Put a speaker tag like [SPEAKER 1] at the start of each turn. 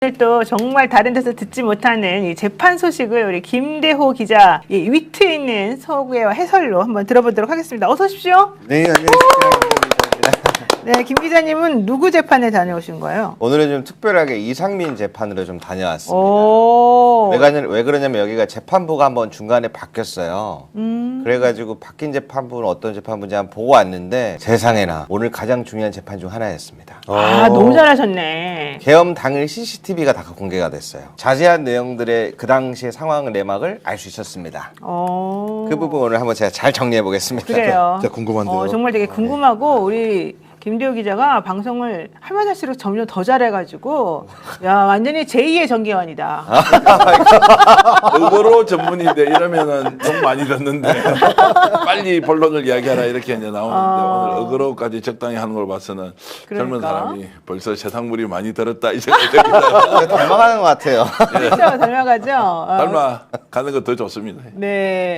[SPEAKER 1] 오늘 또 정말 다른 데서 듣지 못하는 이 재판 소식을 우리 김대호 기자 이 위트 있는 소개와 해설로 한번 들어보도록 하겠습니다. 어서 오십시오.
[SPEAKER 2] 네, 안녕하십니까.
[SPEAKER 1] 네, 김 기자님은 누구 재판에 다녀오신 거예요?
[SPEAKER 2] 오늘은 좀 특별하게 이상민 재판으로 좀 다녀왔습니다.
[SPEAKER 1] 오.
[SPEAKER 2] 왜 그러냐면 여기가 재판부가 한번 중간에 바뀌었어요. 그래가지고 바뀐 재판부는 어떤 재판부인지 한번 보고 왔는데 세상에나 오늘 가장 중요한 재판 중 하나였습니다.
[SPEAKER 1] 아, 너무 잘하셨네.
[SPEAKER 2] 계엄 당일 CCTV가 다 공개가 됐어요. 자세한 내용들의 그 당시의 상황 내막을 알 수 있었습니다. 그 부분 오늘 한번 제가 잘 정리해 보겠습니다.
[SPEAKER 1] 그래요.
[SPEAKER 3] 진짜 궁금한데요.
[SPEAKER 1] 정말 되게 궁금하고 우리 김대호 기자가 방송을 하면 할수록 점점 더 잘해가지고 야 완전히 제2의 정기환이다.
[SPEAKER 3] 의거로 전문인데 이러면은 돈 많이 듣는데 빨리 본론을 이야기하라 이렇게 이제 나오는데 오늘 의거로까지 적당히 하는 걸 봐서는 젊은
[SPEAKER 1] 그러니까.
[SPEAKER 3] 사람이 벌써 세상물이 많이 들었다 이 생각이 듭니다.
[SPEAKER 2] 닮아가는 것 같아요.
[SPEAKER 1] 그렇죠, 닮아가죠.
[SPEAKER 3] 닮아 가는 거 더 좋습니다.
[SPEAKER 1] 네.